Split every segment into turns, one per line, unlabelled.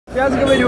വരൂ.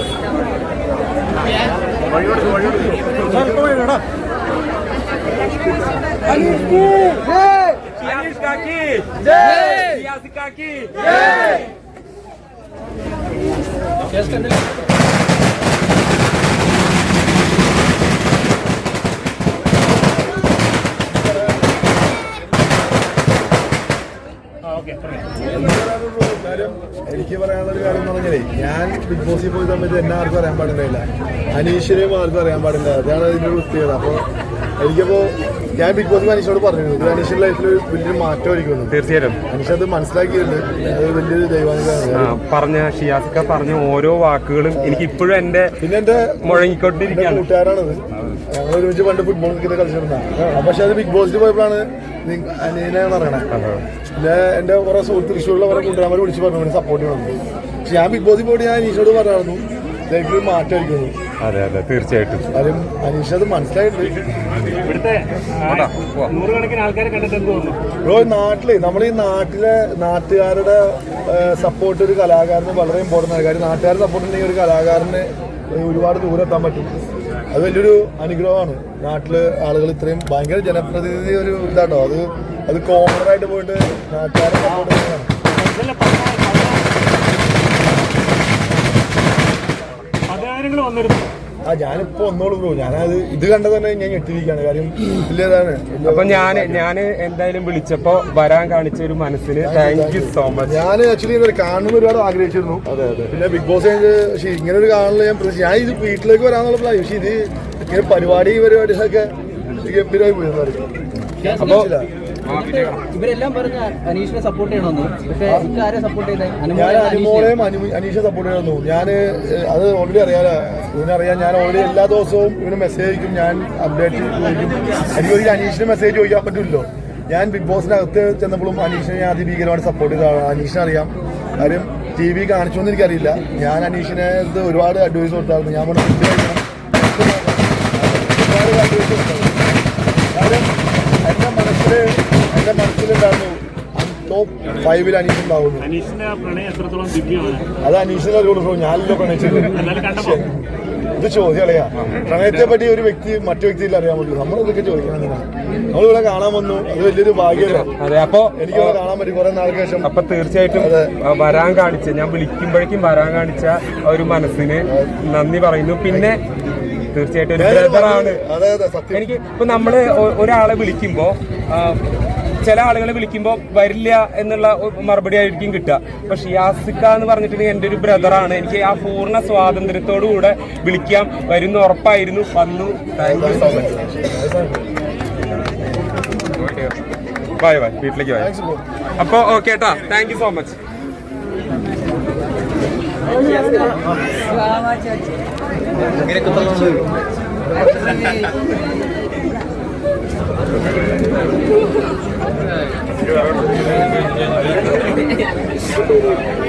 എനിക്ക് പറയാനുള്ള ഒരു കാര്യം എന്ന് പറഞ്ഞാലേ, ഞാൻ ബിഗ് ബോസിൽ പോയ സമയത്ത് എന്നെ ആർക്കും അറിയാൻ പാടില്ല, അനീഷിനെയും ആർക്കും അറിയാൻ പാടില്ല. അതാണ് അതിൻ്റെ ഒരു പ്രത്യേകത. അപ്പോൾ എനിക്കപ്പോൾ ഞാൻ ബിഗ് ബോസ് അനീഷിനോട് പറഞ്ഞിരുന്നു, ഇത് അനീഷിന്റെ ലൈഫിൽ വലിയൊരു മാറ്റമായിരിക്കുന്നു.
തീർച്ചയായും
അനീഷ് അത് മനസ്സിലാക്കിയിട്ടുണ്ട്. അത് വലിയൊരു ദൈവാനുഗ്രഹമാണ്.
പറഞ്ഞ ഷിയാസിക്ക പറഞ്ഞ ഓരോ വാക്കുകളും എനിക്ക് ഇപ്പോഴും എന്റെ
പിന്നെ എന്റെ
മുഴങ്ങിക്കൊണ്ടിരിക്കുകയാണ്.
കൂട്ടുകാരാണത്. ഞങ്ങൾ ഒരുമിച്ച് പണ്ട് ഫുട്ബോൾ ക്രിക്കറ്റ് കളിച്ചിരുന്ന. പക്ഷെ അത് ബിഗ് ബോസിൽ പോയപ്പോഴാണ് അനീനെ പറയണേ. പിന്നെ എന്റെ കുറെ സുഹൃത്ത് തൃശ്ശൂരിലുള്ള കുറെ കൂട്ടുകാരെ വിളിച്ച് പറഞ്ഞു സപ്പോർട്ട് ചെയ്യണം. പക്ഷെ ഞാൻ ബിഗ് ബോസിൽ പോയിട്ട് ഞാൻ അനീഷോട് പറയായിരുന്നു ലൈഫിൽ മാറ്റമായിരിക്കുന്നു.
അതെ അതെ തീർച്ചയായിട്ടും.
കാര്യം അനീഷ് അത് മനസ്സിലായിട്ടുണ്ട്. ബ്രോ, നാട്ടില് നമ്മളീ നാട്ടുകാരുടെ സപ്പോർട്ട് ഒരു കലാകാരന് വളരെ ഇമ്പോർട്ടൻ്റ് ആണ്. കാര്യം നാട്ടുകാരുടെ സപ്പോർട്ട് ഉണ്ടെങ്കിൽ ഒരു കലാകാരന് ഒരുപാട് ദൂരം എത്താൻ പറ്റും. അത് വലിയൊരു അനുഗ്രഹമാണ്. നാട്ടില് ആളുകൾ ഇത്രയും ഭയങ്കര ജനപ്രതിനിധി ഒരു ഇതാട്ടോ. അത് കോമണറായിട്ട് പോയിട്ട് നാട്ടുകാരെ സപ്പോർട്ട് ചെയ്യുന്നതാണ്. ഞാനിപ്പോ ഒന്നോളൂ ബ്രോ, ഞാനത് ഇത് കണ്ട തന്നെ ഞാൻ ഞെട്ടിരിക്കുകയാണ്. കാര്യം ഇല്ലേതാണ്.
അപ്പൊ ഞാൻ എന്തായാലും വിളിച്ചപ്പോ വരാൻ കാണിച്ച ഒരു മനസ്സിന് താങ്ക് യു സോ മച്ച്.
ഞാൻ ആക്ച്വലി കാണുന്ന ഒരുപാട് ആഗ്രഹിച്ചിരുന്നു. അതെ അതെ. പിന്നെ ബിഗ് ബോസ് പക്ഷേ ഇങ്ങനെ ഒരു കാണല് ഞാൻ ഇത് വീട്ടിലേക്ക് വരാന്നുള്ള പ്ലാൻ. പക്ഷെ ഇത് ഇങ്ങനെ പരിപാടികളൊക്കെ ഗംഭീരമായി പോയിരുന്നു.
അപ്പൊ
ഇവരെല്ലാം പറഞ്ഞ അനീഷിനെ സപ്പോർട്ട് ചെയ്യണമെന്ന്. പക്ഷേ ആരെ സപ്പോർട്ട് ചെയ്തേ?
ഞാൻ അനുമോളെയും അനീഷെ സപ്പോർട്ട് ചെയ്യണമെന്നു. ഞാൻ അത് ഓൾറെഡി ഇവനറിയാം. ഞാൻ ഓൾറെഡി എല്ലാ ദിവസവും ഇവന് മെസ്സേജ് അയക്കും, ഞാൻ അപ്ഡേറ്റ് ചോദിക്കും. എനിക്ക് അനീഷിന് മെസ്സേജ് ചോദിക്കാൻ പറ്റില്ലല്ലോ. ഞാൻ ബിഗ് ബോസിനകത്ത് ചെന്നപ്പോഴും അനീഷിനെ ഞാൻ അതിഭീകരമായിട്ട് സപ്പോർട്ട് ചെയ്തതാണ്. അനീഷിനെ അറിയാം. കാര്യം ടി വി കാണിച്ചോന്ന് എനിക്കറിയില്ല. ഞാൻ അനീഷിനെ ഒരുപാട് അഡ്വൈസ് കൊടുത്തായിരുന്നു. ഞാൻ ഒരുപാട് അഡ്വൈസ് കൊടുത്തായിരുന്നു. കാര്യം എന്റെ മനസ്സിലുണ്ടായിരുന്നു ടോപ്പ് 5 അനീഷ് ഉണ്ടാവുന്നു. അത് അനീഷിനെ അറിയുള്ളൂ. ഞാനല്ലോ പ്രണയിച്ചത്. ഇത് ചോദ്യം അറിയാം. പ്രണയത്തെ പറ്റി ഒരു വ്യക്തി മറ്റു വ്യക്തിയിൽ അറിയാൻ പറ്റും. നമ്മളിതൊക്കെ ചോദിക്കണം. നമ്മളിവിടെ കാണാൻ വന്നു. അത് വലിയൊരു ഭാഗ്യമല്ലേ.
അപ്പൊ
എനിക്കിവിടെ കാണാൻ പറ്റും കുറെ നാൾക്ക് ശേഷം.
അപ്പൊ തീർച്ചയായിട്ടും വരാൻ കാണിച്ച, ഞാൻ വിളിക്കുമ്പോഴേക്കും വരാൻ കാണിച്ച ഒരു മനസ്സിന് നന്ദി പറയുന്നു. പിന്നെ തീർച്ചയായിട്ടും ഒരു ബ്രദറാണ് എനിക്ക്. ഇപ്പൊ നമ്മള് ഒരാളെ വിളിക്കുമ്പോ ചില ആളുകളെ വിളിക്കുമ്പോൾ വരില്ല എന്നുള്ള മറുപടി ആയിരിക്കും കിട്ടുക. അപ്പൊ ഷിയാസിക്ക എന്ന് പറഞ്ഞിട്ടുണ്ടെങ്കിൽ എൻ്റെ ഒരു ബ്രദറാണ്. എനിക്ക് ആ പൂർണ്ണ സ്വാതന്ത്ര്യത്തോടു കൂടെ വിളിക്കാം, വരുന്ന ഉറപ്പായിരുന്നു. വന്നു. Thank you so much. Bye bye, വീട്ടിലേക്ക് ബൈ. അപ്പൊ ഓക്കെ കേട്ടാ, thank you so much.
Thank you.